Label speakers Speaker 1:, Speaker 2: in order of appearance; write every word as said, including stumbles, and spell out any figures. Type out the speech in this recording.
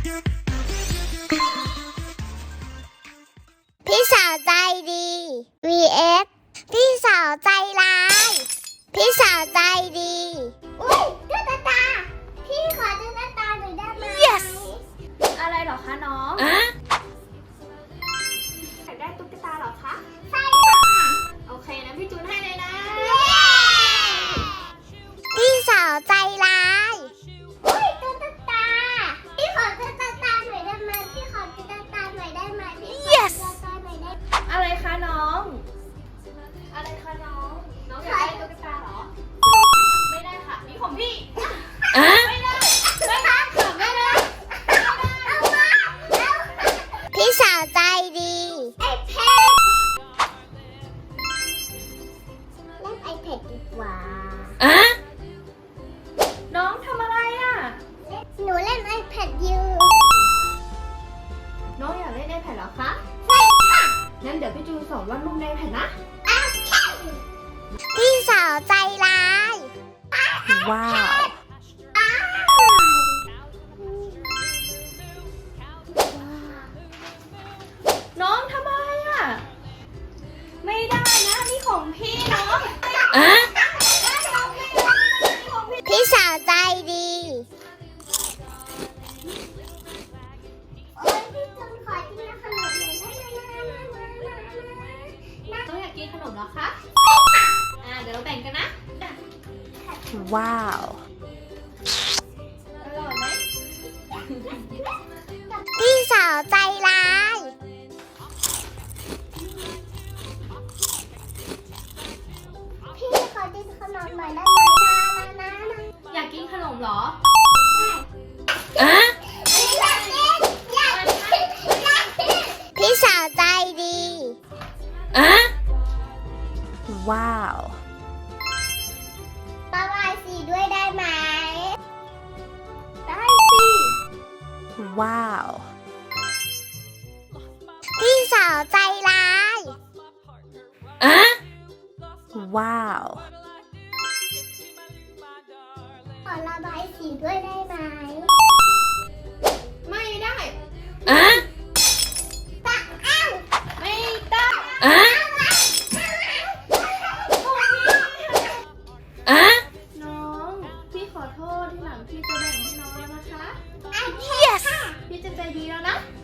Speaker 1: พี่สาวใจดี วี เอส พี่สาวใจร้าย พี่สาวใจดีอุ้ยตุ๊กตาพี่ขอตุ๊กตาหน่อยได้ไหม
Speaker 2: yes อะไรเหรอคะน้องอะอยากได้ตุ๊กตาเหรอคะ
Speaker 1: ใช่ค่ะ
Speaker 2: โอเคนะพี่จูนให้เลยนะ
Speaker 1: พี่สาวใจร้ายอุ้ยตุ๊กตาพี่ขอตุ๊กตาหน่อยได้ไหมพี่ขอตุ๊กตาหน่อยได้ไหมพี่ขอ
Speaker 2: yes
Speaker 1: ตุ๊กตาหน่อยได้ไหม
Speaker 2: อะไรคะน้องอะไรคะน้องน้องอยากได้ตุ๊กตาเหรอไม่ได้ค่ะนี่ของพี่ไม่ได้ไม่ได้ค่ะไม่ได้
Speaker 1: พี่สาวใจดีไอแพดเล่นไอแพดดีกว่า
Speaker 2: น้องทำอะไรอ่ะ
Speaker 1: หนูเล่นไอแพดอยู่
Speaker 2: น้องอยากเล่นไอแพดเหรอคะ
Speaker 1: ใช่ค่ะ
Speaker 2: งั้นเดี๋ยวพี่จูนสอนวาดรูปในไอแพดนะ
Speaker 1: พี่สาวใจร้าย
Speaker 2: ว้าว น้องทำอะไรอ่ะไม่ได้นะนี่ของพี่เนาะ
Speaker 1: พี่สาวใจดีโอ้ยพี่จนขอกินขนมหน่อยได้ไหมนะ
Speaker 2: น้องอยากกินขนมเหรอคะอ่าเดี๋ยวเราแบ่งกันนะ
Speaker 3: ว้าว
Speaker 2: อร่อยไหม
Speaker 1: พี่สาวใจร้าย พี่ขอกินขนมหน่อยได้ไหมนะนะนะ
Speaker 2: อยากกินขนมเหรอ
Speaker 1: อยากกินอยากกินอยากกินพี่สาวใจดี
Speaker 3: ว้าว
Speaker 1: ประบายสีด้วยได้ไหม
Speaker 2: ได้สิ
Speaker 3: ว้าว
Speaker 1: พี่สาวใจร้าย
Speaker 3: ว้าว
Speaker 1: ขอระบายสีด้วยได้ไหม
Speaker 2: ไม่ได้
Speaker 1: ตะอ้าว
Speaker 2: ไม่ได้น้องพี่ขอโทษที่หลังพี่จะแบ่งให้น้องแล้วนะคะ
Speaker 1: yes
Speaker 2: พี่จะใจดีแล้วนะ